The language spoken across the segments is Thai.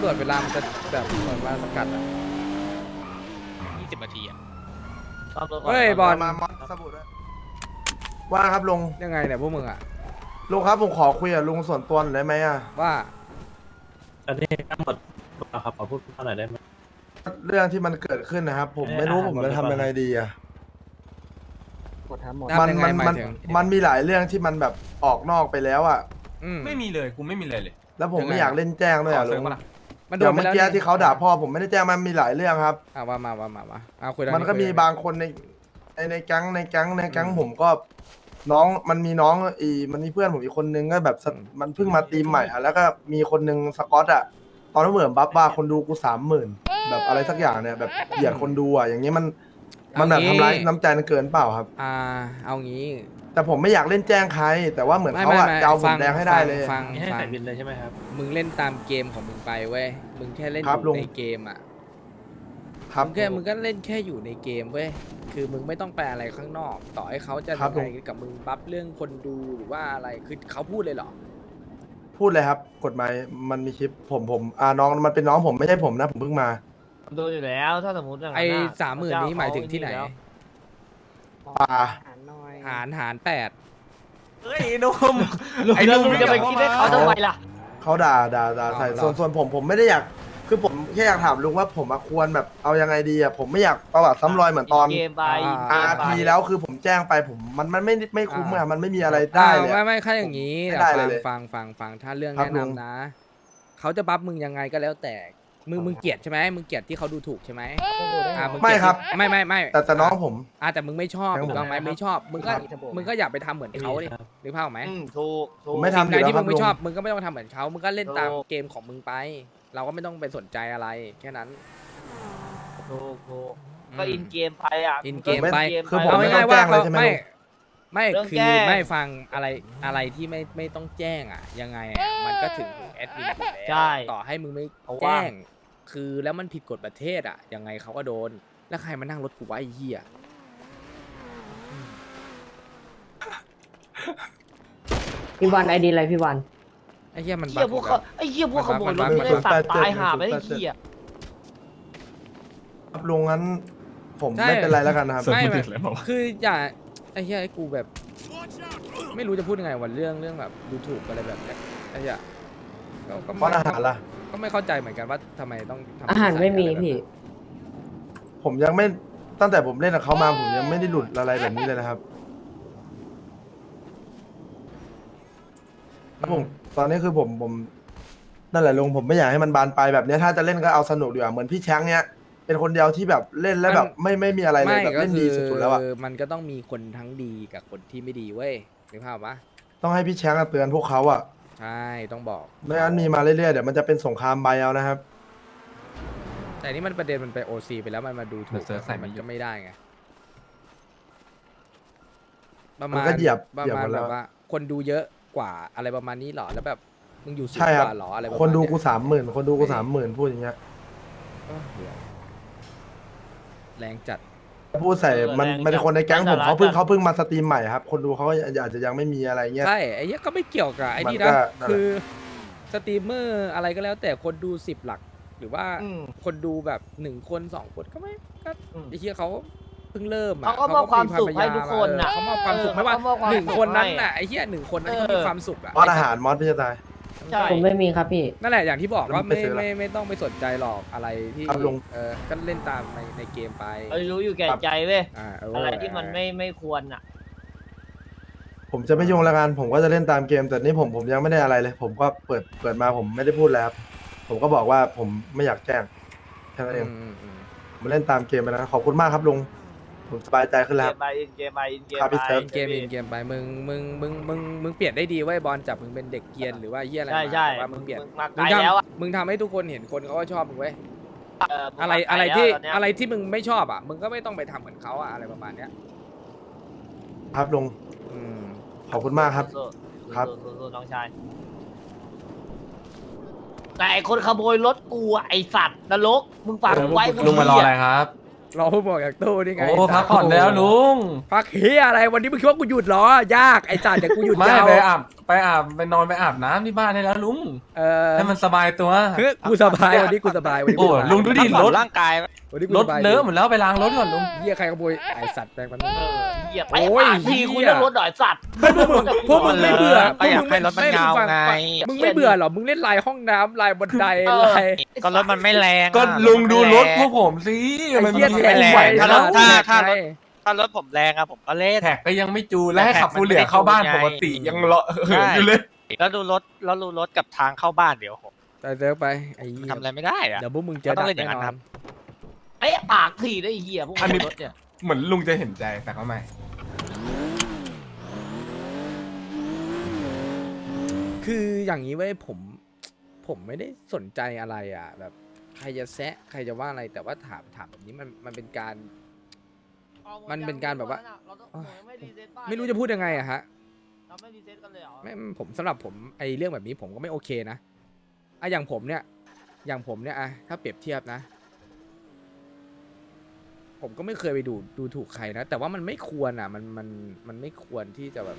ำรวจเวลามันจะแบบเหมือนมาสกัดอ่ะ 20 นาทีอ่ะเฮ้ยบอลมาสบู่ด้วยว่าครับลุงยังไงเนี่ยพวกมึงอ่ะลุงครับผมขอคุยกับลุงส่วนตัวหน่อยได้ไหมอ่ะว่าอันนี้ทั้งหมดครับขอพูดหน่อยได้ไหมเรื่องที่มันเกิดขึ้นนะครับ ผมไม่รู้ผมจะทำยังไงดีอ่ะทำยังไงหมายถึงมันมีหลายเรื่องที่มันแบบออกนอกไปแล้วอ่ะไม่มีเลยกูไม่มีเลยแล้วผมไม่อยากเล่นแจ้งด้วยอ่ะลุงมันโดเดี๋ยนวไปเมื่อแล้วกี้ที่เขาด่าพ่อผมไม่ได้แจ้งมันมีหลายเรื่องครับว่ามาคุยเรื่องมันก็มีคุยเรื่องบางคนในแก๊งผมก็น้องมันมีน้องมันมีเพื่อนผมอีกคนนึงก็แบบมันเพิ่งมาตีมใหม่อ่ะแล้วก็มีคนนึงสกอตอ่ะตอนนั้นเหมือนบัฟว่าคนดูกู30,000แบบอะไรสักอย่างเนี่ยแบบเหยียดคนดูอ่ะอย่างนี้มันแบบทำร้ายน้ำใจมันเกินเปล่าครับเอางี้แต่ผมไม่อยากเล่นแจ้งใคร แต่ว่าเหมือนเขาอ่ะจะเอาผมแดงให้ได้เลยฟังให้ใส่บินเลยใช่ไหมครับมึงเล่นตามเกมของมึงไปเว้ยมึงแค่เล่นอครับลุยู่งในเกมอ่ะครับมึงก็เล่นแค่อยู่ในเกมเว้ยคือมึงไม่ต้องไปอะไรข้างนอก ต่อให้เขาจะครับยังไงกับมึงบัฟเรื่องคนดูหรือว่าอะไรคือเขาพูดเลยเหรอพูดเลยครับกฎหมายมันมีคลิปผมน้องมันเป็นน้องผมไม่ใช่ผมนะผมเพิ่งมาดูอยู่แล้วถ้าสมมติอย่างไอ้นั้นน่ะ 30,000นี้หมายถึงที่ไหนป่าหาร8 เฮ้ยนุ่มไอ้ลุงจะไปคิดให้เขาทำไมล่ะเขาด่าใส่เหรอส่วนผมไม่ได้อยากคือผมแค่อยากถามลุงว่าผมควรแบบเอายังไงดีอ่ะผมไม่อยากประวัติซ้ำรอยเหมือนตอนเกมไป RP แล้วคือผมแจ้งไปผมมันไม่คุ้มอะมันไม่มีอะไรได้เลยอะไม่ค่าอย่างนี้ไม่แต่ได้เลยฟังถ้าเรื่องครับแนะนำนะ เขาจะบัฟมึงยังไงก็แล้วแต่มึงเกลียดใช่ไหมมึงเกลียดที่เขาดูถูกใช่ไหมมึงเกลียดไม่ครับไม่แต่น้องผมแต่มึงไม่ชอบครับถูกต้องไหมไม่ชอบมึงก็ครับมึงก็อย่าไปทำเหมือนเขาดิหรือเปล่าพไหมถูกผมไม่ทำสิ่งใดที่อยู่แล้วมึงไม่ครับชอบลุงมึงก็ไม่ต้องทำเหมือนเขามึงก็เล่นตามถูกเกมของมึงไป เราก็ไม่ต้องไปสนใจอะไรแค่นั้นถูกก็อินเกมไปอ่ะอินเกมไปคือผมเอาไม่ง่ายๆต้องแจ้ว่างเลยใช่ไหมไม่เรื่องคือแจ้งไม่ฟังอะไรที่ไม่ต้องแจ้งอ่ะยังไงอ่ะมันก็ถึงแอดมินอยู่แล้วใช่ต่อให้มึงไม่เพราะว่าแจ้ง คือแล้วมันผิดกฎประเทศอ่ะยังไงเขาก็โดน แล้วใครมานั่งรถกูวะไอ้เหี้ยพี่วันไอดีอะไรพี่วันไอ้เหี้ยมันเหี้ยพวกเขาไอ้เหี้ยพวกขโมยรถไม่ได้สัตว์ตายหาไม่ได้เหี้ยครับลุงงั้นผมไม่เป็นไรแล้วกันนะครับไม่คืออย่าไอ้เหี้ยไอ้กูแบบ ไม่รู้จะพูดยังไงวันเรื่องแบบดูถูกอะไรแบบเนี้ยไอ้เหี้ยก็เพราะอาหารล่ะก็ไม่เข้าใจเหมือนกันว่าทำไมต้องทำอาหารไม่มีอะไรแบบนั้นพี่ผมยังไม่ตั้งแต่ผมเล่นกับเขามาผมยังไม่ได้หลุดอะไรแบบนี้เลยนะครับผมตอนนี้คือผมนั่นแหละลุงผมไม่อยากให้มันบานปลายแบบเนี้ยถ้าจะเล่นก็เอาสนุกดีกว่าเหมือนพี่แช้งเนี้ยเป็นคนเดียวที่แบบเล่นแล้วแบบไม่มีอะไรเลยแบบเล่นดีสุดๆแล้วอะมันก็ต้องมีคนทั้งดีกับคนที่ไม่ดีเว้ยนึกภาพปะต้องให้พี่แช้งเตือนพวกเขาอะใช่ต้องบอกไม่งั้นมีมาเรื่อยๆเดี๋ยวมันจะเป็นสงครามใบเอานะครับแต่นี่มันประเด็นมันไปโอซีไปแล้วมันมาดูถูกเซิร์ฟใส่ไม่มันหยุดก็ไม่ได้ไงประมัมาณนก็เหยียบประเหยียบมาหณมดแบแล้วบว่า คนดูเยอะกว่าอะไรประมาณนี้หรอแล้วแบบมึงอยู่สูงใช่คกรับว่าหรออะไรประมาณคนดูเนี้ยกู30,000คนดูกู30,000พูดอย่างเงี้ยเออเหี้ยแรงจัดพูดใส่มันแรงจัดมันเป็นคนในแก๊งผมแรงจัดเขาเพิ่งมาสตรีมใหม่ครับ คนดูเขาก็อาจจะยังไม่มีอะไรเงี้ยใช่ไอ้เนี้ยก็ไม่เกี่ยวกับไอ้นี่มันก็นะนั่นแหละคือสตรีมเมอร์อะไรก็แล้วแต่คนดู10 หลัก หรือว่าอืมคนดูแบบ1 คน 2 คนก็ไม่ก็อืมไอ้เหี้ยเขาเพิ่งเริ่มอะเขาก็มอบความสุขให้ทุกคนน่ะเขามอบความสุขไม่ว่าเขามอบความหนึ่งสุขคนนั้นให้น่ะไอ้เหี้ย1 คนนั้นเขามีความสุขอะมอสอาหารมอสพี่จะตายใช่ผมไม่มีครับพี่นั่นแหละอย่างที่บอกว่าแล้วมึงไปซื้ออะไรไม่ต้องไปสนใจหรอกอะไรที่ครับลุงก็เล่นตามในเกมไปเออรู้อยู่แก่ใจเว้ยเอะไรที่มันไม่ควรอ่ะผมจะไม่ยุ่งแล้วกันผมก็จะเล่นตามเกม แต่นี่ผมยังไม่ได้อะไรเลย ผมก็เปิดมาผมไม่ได้พูดแล้วครับผมก็บอกว่าผมไม่อยากแจ้งแค่นั้นเองผมเล่นตามเกมไปนะขอบคุณมากครับลุงผมสบายใจขึ้นแล้วครับเกมไปครับพี่เซิร์ฟเกมไปมึงเปลี่ยนได้ดีเว้ยบอลจับมึงเป็นเด็กเกรียนหรือว่าเหี้ยอะไรใช่มาใช่แต่ว่ามึงเปลี่ยนมาไกลแล้วอ่ะมึงทำให้ทุกคนเห็นคนเขาก็ชอบมึงเว้ยมึงอะไรมาไกลอะไรแล้วที่ตนเนี้ยอะไรที่มึงไม่ชอบอ่ะมึงก็ไม่ต้องไปทำเหมือนเขาอ่ะอะไรประมาณเนี้ยครับลุงอืมขอบคุณมากครับสู้ๆครับสู้ๆน้องชายแต่ไอ้คนขโมยรถกูอะไอสัตว์นรกมึงฝากไว้ลุงมารออะไรครับรอผู้บอกจากตู้นี่ไงโอ้พักผ่อนแล้วลุงพักเฮียอะไรวันนี้มึงคิดว่ากูหยุดเหรอยากไอ้จ่าเดี๋ยวกูหยุดไม่ยาวไปไปนอนไปอาบน้ำที่บ้านได้แล้วลุง ให้มันสบายตัวเฮ้ยกูสบายวันนี้กูสบายวันนี้โอ้กูสบายลุงดูดิพักผ่อนร่างกายวันนี้กูรสถบายเลอะหมดแล้วไปล้างรถก่อนลุงเหี้ยใครขโมยไอสัตว์แปลงมันเหยียบไปโอ้ยปากทีเหี้ยคุยเรื่องรถหน่อยสัตว์พวกมึงไม่เบื่อก็อยากให้รถมันเงาไงมึงไม่เบื่อเหรอมึงเล่นลายห้องน้ำลายบันไดลายก็รถมันไม่แรงอะก็ลุงดูรถพวกผมสิไอ้มันเหี้ยมีแทไม่งแรงไหวถ้ารถนะถ้ารถผมแรงอะผมก็เล่นแท็กก็ยังไม่จูนและให้ขับฟูเหลือเข้าบ้านปกติยังเลาะเหินอยู่เลยแล้วดูรถกับทางเข้าบ้านเดี๋ยวผมไปเซิร์ฟไปไอ้เหี้ยทำอะไรไม่ได้อะเดี๋ยวพวกมึงเจอก็ต้ดัองกเล่นอย่างแน่นั้นนอครันบไอ้ปากทีได้เหี้ยพวกอันนี้รถเนี่ยเหมือนลุงจะเห็นใจแต่ก็ไม่คืออย่างนี้เว้ยผมไม่ได้สนใจอะไรอ่ะ แบบใครจะแซะใครจะว่าอะไรแต่ว่าถามแบบนี้มันเป็นการ มันเป็นการแบบว่า ไม่รู้จะพูดยังไงอะฮะเราไม่รีเซ็ตกันเลยเหรอไม่ผมสำหรับผมไอเรื่องแบบนี้ผมก็ไม่โอเคนะอะอย่างผมเนี่ยอะถ้าเปรียบเทียบนะ ผมก็ไม่เคยไปดูถูกใครนะ แต่ว่ามันไม่ควรอ่ะมันไม่ควรที่จะแบบ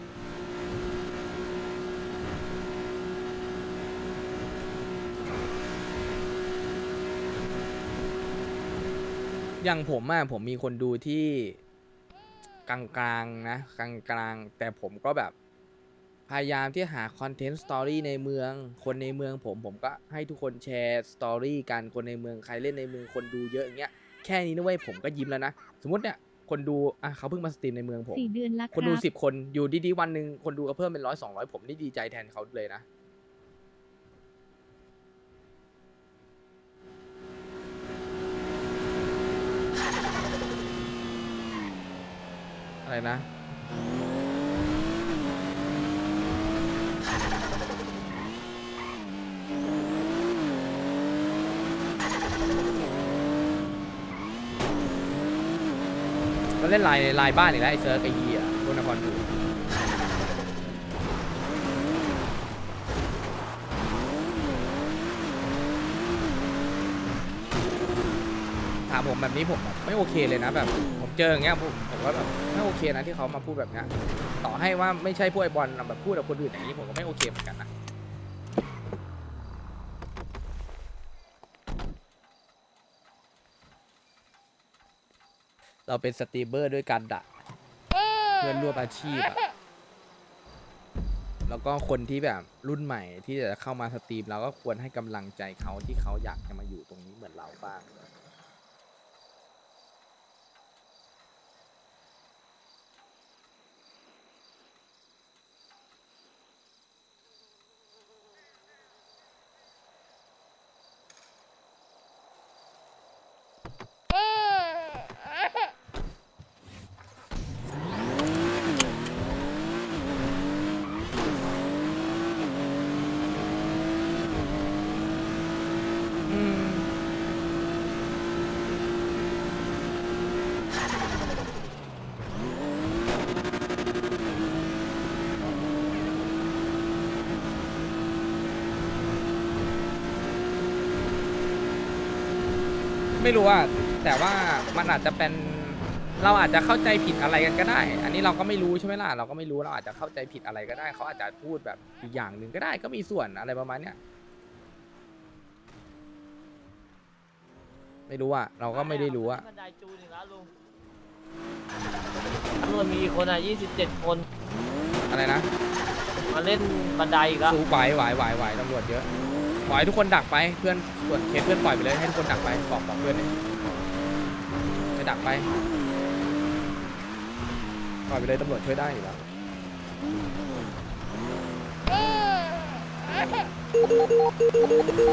อย่างผมอะผมมีคนดูที่กลางๆนะกลางๆแต่ผมก็แบบพยายามที่หาคอนเทนต์สตอรี่ในเมืองคนในเมืองผมก็ให้ทุกคนแชร์สตอรี่กันคนในเมืองใครเล่นในเมืองคนดูเยอะอย่างเงี้ยแค่นี้นะเว้ยผมก็ยิ้มแล้วนะสมมติเนี่ยคนดูอ่ะเขาเพิ่งมาสตรีมในเมืองผม 4 เดือนละคนดูรับ 10 คนอยู่ดีๆวันหนึ่งคนดูก็เพิ่มเป็น100-200ผมนี่ดีใจแทนเขาเลยนะอะไรนะก็เล่นลายบ้านอีกแล้วไอ้เซิร์ฟไอ้เหี้ยโดนนครดูถามผมแบบนี้ผมแบบไม่โอเคเลยนะแบบผมเจออย่างเงี้ยผมก็แบบไม่โอเคนะที่เขามาพูดแบบเนี้ยต่อให้ว่าไม่ใช่พวกไอ้บอลแบบพูดกับคนอื่นอย่างนี้ผมก็ไม่โอเคเหมือนกันนะเราเป็นสตรีมเมอร์ด้วยกันอะเพื่อนร่วมอาชีพอะแล้วก็คนที่แบบรุ่นใหม่ที่จะเข้ามาสตรีมเราก็ควรให้กำลังใจเขาที่เขาอยากจะมาอยู่ตรงนี้เหมือนเราบ้างไม่รู้ว่าแต่ว่ามันอาจจะเป็นเราอาจจะเข้าใจผิดอะไรกันก็ได้ อันนี้เราก็ไม่รู้ใช่ไหมล่ะเราก็ไม่รู้เราอาจจะเข้าใจผิดอะไรก็ได้เขาอาจจะพูดแบบอีกอย่างหนึ่งก็ได้ก็มีส่วนอะไรประมาณเนี้ยไม่รู้อ่ะเราก็ไม่ได้รู้อ่ะบันไดจูนอีกแล้วลุงตำรวจมีคนอ่ะ27 คนอะไรนะมาเล่นบันไดอีกแล้วสู้ไหวตำรวจเยอะปล่อยให้ทุกคนดักไปเพื่อนส่วนเคสเพื่อนปล่อยไปเลยให้ทุกคนดักไปบอกเพื่อนเลยจะดักไปปล่อยไปเลยตำรวจช่วยได้อยู่แล้ว